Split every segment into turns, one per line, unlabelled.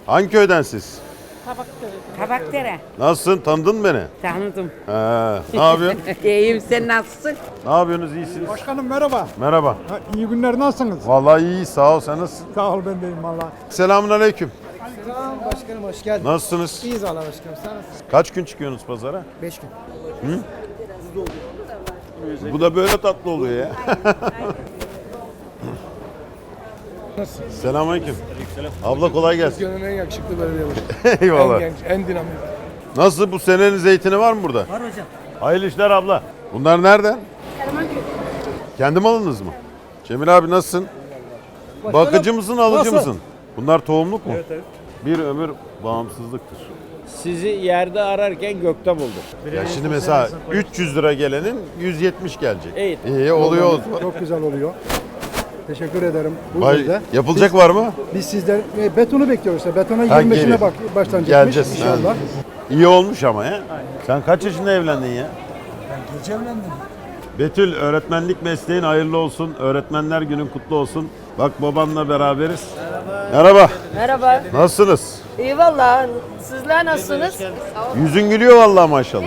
Hangi köyden siz?
Kabakdere.
Nasılsın? Tanıdın mı beni?
Tanıdım.
Ne yapıyorsun?
İyiyim, sen nasılsın?
Ne yapıyorsunuz? İyisiniz.
Başkanım merhaba.
Merhaba.
Ha, iyi günler, nasılsınız?
Vallahi iyi, sağ ol. Sen nasılsın?
Sağ ol, ben deyim valla.
Selamünaleyküm.
Selam başkanım, hoş geldin.
Nasılsınız?
İyiyiz valla başkanım, sen nasılsın?
Kaç gün çıkıyorsunuz pazara?
5 gün.
Bu da böyle tatlı oluyor ya. Selamünaleyküm. Abla kolay gelsin.
Gönlün en yakışıklı belediye başkanı.
Eyvallah.
En genç, en dinamik.
Nasıl, bu senenin zeytini var mı burada?
Var hocam.
Hayırlı işler abla. Bunlar nereden? Kendi malınız mı? Cemil abi nasılsın? Bakıcı mısın, alıcı
nasıl?
mısın? Bunlar tohumluk mu?
Evet, evet.
Bir ömür bağımsızlıktır.
Sizi yerde ararken gökte buldum.
Ya şimdi mesela 300 lira gelenin 170 gelecek.
Evet.
İyi oluyor o zaman.
Çok güzel oluyor. Teşekkür ederim. Bu
Vay,
yüzden
yapılacak var mı?
biz sizden betonu bekliyoruz. Betona
Ha,
25'ine
geliyor.
başlanacakmış
Geleceğiz.
inşallah.
Ha. İyi olmuş ama ya. Sen kaç yaşında evlendin ya?
Ben gece evlendim.
Betül, öğretmenlik mesleğin hayırlı olsun. Öğretmenler günün kutlu olsun. Bak, babanla beraberiz. Merhaba.
Merhaba.
Nasılsınız?
İyi valla. Sizler nasılsınız?
Yüzün gülüyor vallahi maşallah.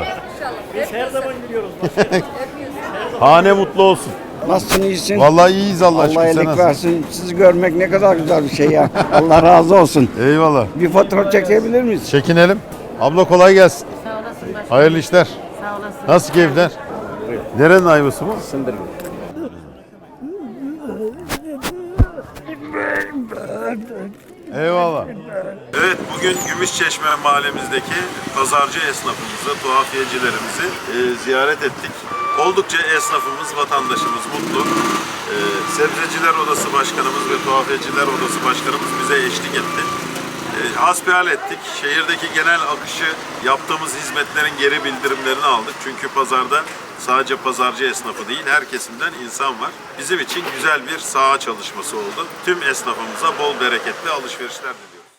Hane mutlu olsun.
Nasılsın, iyisin?
Vallahi iyiyiz Allah aşkına.
Allah
Sen
iyilik
nasılsın?
versin. Sizi görmek ne kadar güzel bir şey ya. Allah razı olsun.
Eyvallah.
Bir fotoğraf çekebilir miyiz?
Çekinelim. Abla kolay gelsin.
Sağ olasın başkanım.
Hayırlı işler.
Sağ olasın.
Nasıl keyifler? Nerenin ayvası bu?
Sındırgın.
Eyvallah. Evet, bugün Gümüşçeşme mahallemizdeki pazarcı esnafımızı, tuhafiyecilerimizi ziyaret ettik. Oldukça esnafımız, vatandaşımız mutlu. Sebzeciler Odası Başkanımız ve Tuhafiyeciler Odası Başkanımız bize eşlik etti. Hasbihal ettik. Şehirdeki genel akışı, yaptığımız hizmetlerin geri bildirimlerini aldık. Çünkü pazarda sadece pazarcı esnafı değil, her kesimden insan var. Bizim için güzel bir saha çalışması oldu. Tüm esnafımıza bol bereketli alışverişler diliyorum.